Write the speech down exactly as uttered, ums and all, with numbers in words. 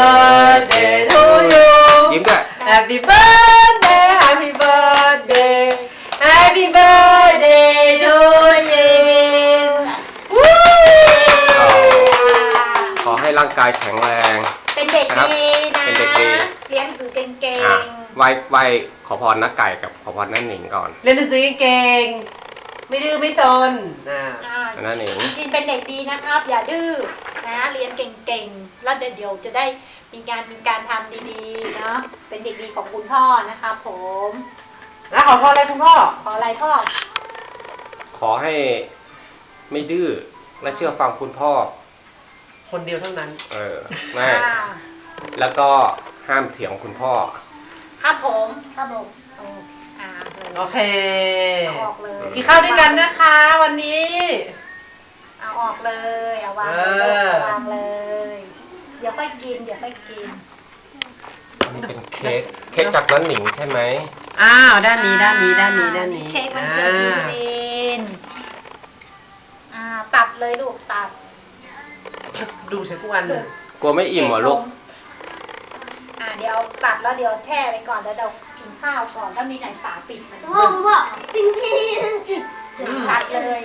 birthday to you ยิ้มด้วย Happy birthday Happy birthday Happy birthday to you ขอให้ร่างกายแข็งแรงเป็นเด็กดีนะเป็นเด็กดีเรียนหนังสือเก่งอ่ะๆไหวไหวขอพรนักไก่กับขอพรนั่นหนิงก่อนเรียนหนังสือเก่งไม่ดื้อไม่ซนอ่าอ่านั่นหนิงจริงๆเป็นเด็กดีนะครับ อย่าดื้อนะเรียนเก่งๆแล้วเดี๋ยวจะได้มีงานมีการทำดีๆเนาะเป็นเด็กดีของคุณพ่อนะครับผมแล้วขอพรอะไรคุณพ่อขออะไรพ่อขอให้ไม่ดื้อและเชื่อฟังคุณพ่อคนเดียวเท่านั้นเออไม่อ่าแล้วก็ห้ามเถียงคุณพ่อครับผมครับผมโออ่าเลยโอเคเอาออกเลยกินข้าวด้วยกันนะคะ วันนี้เอาออกเลยเอาวางเอเลยอเอาวางเลย เดี๋ยวค่อยกินเดี๋ยวค่อยกินนี่เป็นเค้กเค้กจากนั่นหนิงใช่ไหมอ้าวด้านนี้ด้านนี้ด้านนี้ด้านนี้เค้กมันเกิดยูจีนอ่าตัดเลยลูกตัดดูใช้ทุกวันเลยกลัวไม่อิ่มเหรอลูกอ่าเดี๋ยวตัดแล้วเดี๋ยวแช่ไปก่อนแล้วเดี๋ยวกินข้าวก่อนถ้ามีไหนฝาปิดมันพ่อพ่อจริงจริงตัดเลย